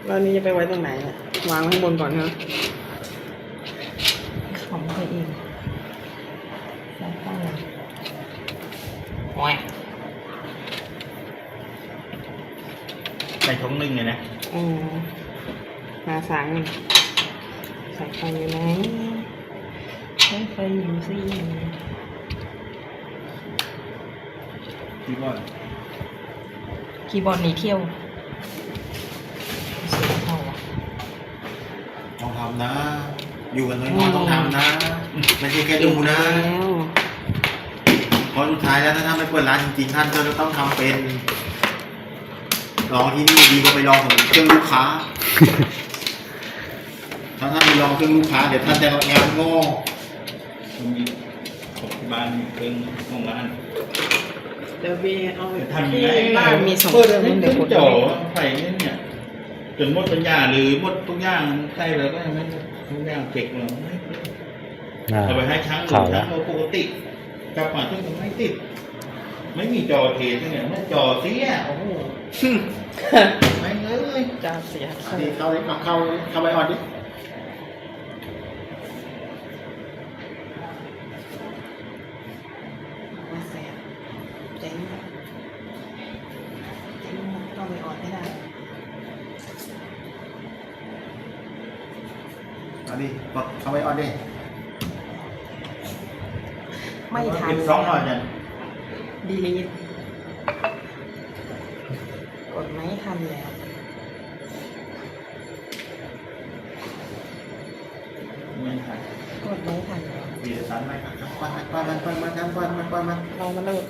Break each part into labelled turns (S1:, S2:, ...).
S1: แล้วนี่จะไปไว้ตรงไหนเนี่ยวางข้างบนก่อนนะของตัวเองใส่ตั้งโอ้ย
S2: ใส่ถุงนึงเลยนะ
S1: มาสั่งใส่ไฟอยู่ไหนใช้ไฟอยู่สิ
S2: คีย์บอร์ด
S1: คีย์บอร์ดหนีเที่ยวเสียเท่าอ่ะ
S3: ต้องทำนะ อยู่กันน้อยๆต้องทำนะ ไม่ใช่แค่ดูนะ
S1: แล้ว
S3: เพราะสุดท้ายแล้วถ้าท่านไม่เปิดร้านจริงๆท่านก็จะต้องทำเป็นลองที่นี่ดีกว่าไปลองของเครื่องลูกค้า ถ้าท่านไปลองเครื่องลูกค้าเดี๋ยวท่านจะแอบโง่
S2: มันมีของที่บ้านเป็นของร้าน
S1: เดี๋ยวบีเอา
S2: จะทำยังไง
S1: บ้านมี2
S2: เปิ
S1: เค
S2: ด
S1: รื่อง
S2: ให้
S1: เดี๋ยวกด
S2: จ่อใส่เนี่ยจนหมดปัญญาหรือหมดทุกอย่างใส่แล้วก็ยังไม่ทุกอย่างเก็บเลยเอาไปให้ช้างดูช้างเราปกติกลับมาที่มันไม่ติด ไม่มีจอเทสเนี่ยไม่จอเสียโอ้โหไม่เลย
S1: จะเสีย
S3: ดีเข้าเลยเข้าไปออดดิ
S1: มาเสียเจ๊งต้องไปออนให้ได้
S3: เอาดิกดเข้าไปออดดิ
S1: ไม่ทัน
S2: สองหน่อยเนี่ย
S1: ดีลีทกดไม่ทันแล้ว
S2: ไม่ทัน
S1: กดไม่ทันแล้ว
S2: เสียสันไหม
S3: ปล่อยมัน
S1: ลองมาเลิกกัน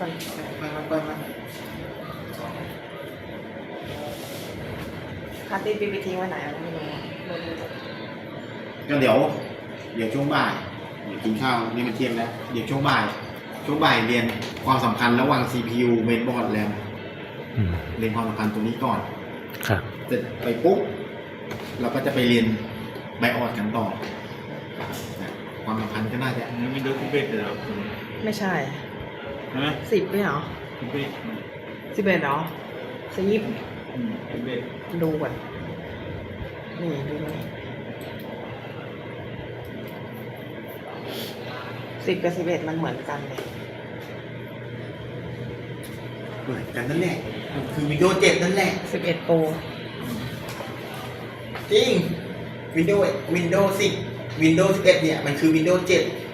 S1: คาร์ตี้บีบีทิ้งไว้ไหนอ่ะไม่รู้อ่ะ
S3: ก็เดี๋ยวช่วงบ่ายเดี๋ยวกินข้าวนี่มันเที่ยงแล้วเดี๋ยวช่วงบ่ายเรียนความสำคัญระหว่าง CPU mainboard RAM เรียนความสำคัญตรงนี้ก่อน
S4: ครับ
S3: เสร็จไปปุ๊บเราก็จะไปเรียนไบออดกันต่อนะความสำคัญก็น่าจะ
S2: มันไม่ดูที่เบ็ดเลยหรอ
S1: ไม่ใช่
S2: ใช่ไหม
S1: 10ไม่เหรอ
S2: ที่เบ็ด
S1: 11เหรอ10
S2: ที่เบ็ด
S1: ดูก่อนนี่ดูนี่10 กับ 11มันเหมือนกันเลย
S3: เหมือนกันนั่นแหละมันคือ Windows 7 นั่นแหละ
S1: 11 Pro
S3: จริง Windows 10 Windows 11 เนี่ยมันคือ Windows 7